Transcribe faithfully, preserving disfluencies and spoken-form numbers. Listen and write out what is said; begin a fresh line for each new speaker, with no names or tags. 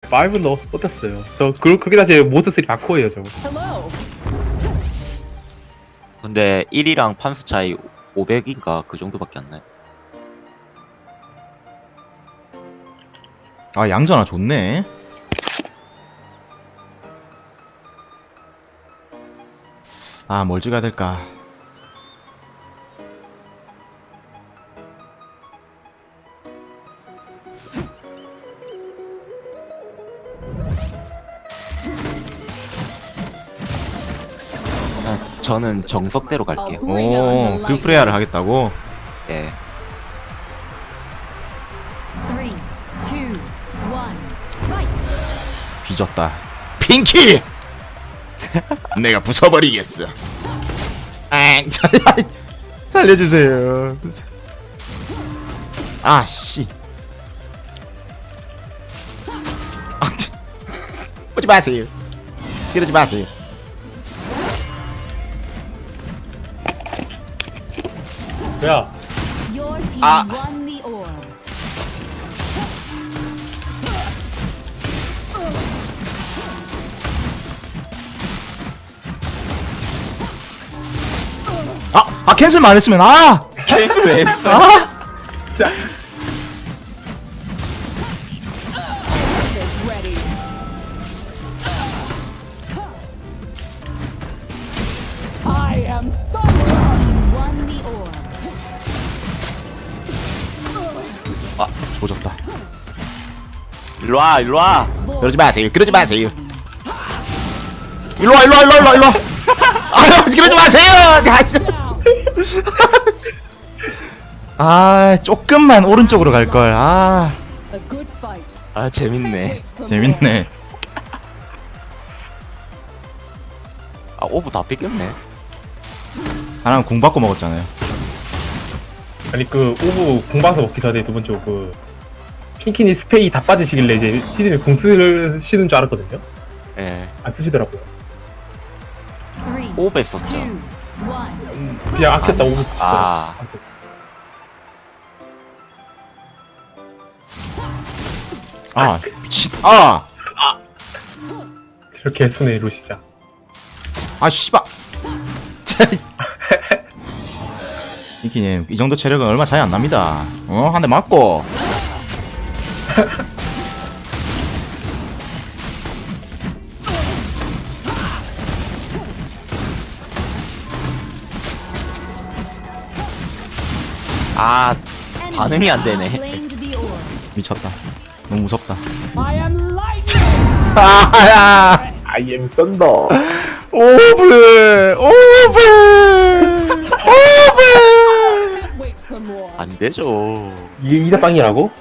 파이브는 어, 어땠어요? 저 그, 그게 다시 모드 쓰리 바코예요 저.
근데 일이랑 판수 차이 오백인가 그 정도밖에 안 나요.
아 양전아 좋네. 아 뭘 찍어야 될까.
그냥 저는 정석대로 갈게요.
오, 그 프레야를 하겠다고?
예.
Three, two, one, fight.
뒤졌다. 핑키! 내가 부숴버리겠어. 아, 살려주세요. 아, 씨. 아, 오지 마세요. 이러지 마세요.
야,
Your team
Ah.
won the orb.
아, 아 캔슬만 안 했으면 아!
케이스 왜 했어?
아!
Your team won the orb.
아, 조졌다.
일로와 일로와.
그러지 마세요. 그러지 마세요. 일로와, 일로와, 일로와, 일로와, 일로와. 아, 그러지 마세요. 아, 조금만 오른쪽으로 갈 걸. 아,
A good fight.
아 재밌네.
재밌네.
아 오브 다 뺏겼네.
하나는 궁 받고 먹었잖아요.
아니 그 오브 공방서 먹기 전에 두 번째 오브 킹키니 스페이 다 빠지시길래 이제 시즌에 공 쓰시는 줄 알았거든요.
예.
안 쓰시더라고요.
Three,
오브 했었죠.
two, one.
음, 그냥 아꼈다 오브.
아.
아, 미친. 아,
이렇게 손에 이루시자.
아, 씨발. 이키님, 이 정도 체력은 얼마 차이 안 납니다. 어, 한 대 맞고.
아 반응이 안 되네.
Claimed the orb.
미쳤다. 너무 무섭다.
I am lightning.
아야!
I am 썬더.
오브! 오브! 오브!
Wait for more.
안 되죠.
이게 이다빵이라고?